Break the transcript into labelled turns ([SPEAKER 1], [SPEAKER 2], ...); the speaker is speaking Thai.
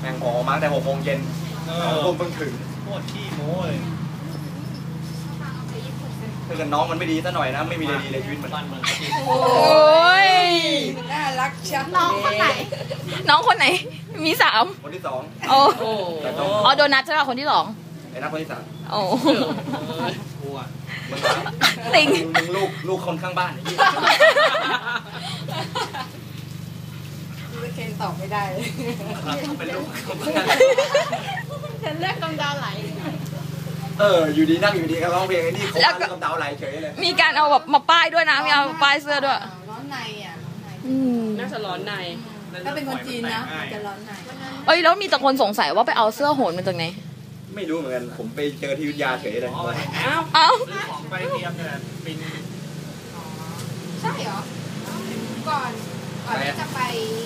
[SPEAKER 1] ม่งออกมาตั้งแต่6 โมงเย็นผมเพิ่งถึง
[SPEAKER 2] โคตรขี้โม้เลย
[SPEAKER 1] ถ้าเกิดน้องมันไม่ดีซะหน่อยนะไม่มีอะไรดีในชีวิตมัน
[SPEAKER 3] โอ้ย
[SPEAKER 4] น่ารักชัง
[SPEAKER 3] น้องคนไหนน้องคนไหนมี3
[SPEAKER 1] คนที่2
[SPEAKER 3] โอ้อ๋อโดนัทใช่ป่ะคนที่2
[SPEAKER 1] ไอ้นักคนที่3
[SPEAKER 3] โอ้
[SPEAKER 2] กลัว
[SPEAKER 3] ติง
[SPEAKER 1] มึงลูกคนข้างบ้าน
[SPEAKER 4] ไม่เคนตอบไม่ได้
[SPEAKER 1] เป็นลูก
[SPEAKER 3] ฉันเลือกกำดาวไหล
[SPEAKER 1] อยู่ดีนั่งอยู่ดีก็ร้องเพลงไอ้นี่เขากำดาวไหลเฉยเลย
[SPEAKER 3] มีการเอาแบบมาป้ายด้วยนะมีเอาป้ายเสื้อด้วย
[SPEAKER 4] ร้อนในอ่ะ
[SPEAKER 5] น่าจะร้อนใน
[SPEAKER 4] ถ้าเป็นคนจีนนะจะร้อนใน
[SPEAKER 3] เอ้ยแล้วมีแต่คนสงสัยว่าไปเอาเสื้อโหนมาจากไหน
[SPEAKER 1] ไม่รู้เหมือนกันผมไปเจอที่วิทยาเฉยเลย
[SPEAKER 3] เอ้า
[SPEAKER 2] ซื้อของไปเตรียมเนี่ยปิน
[SPEAKER 4] ใช่เหรอก่อนที่จะไป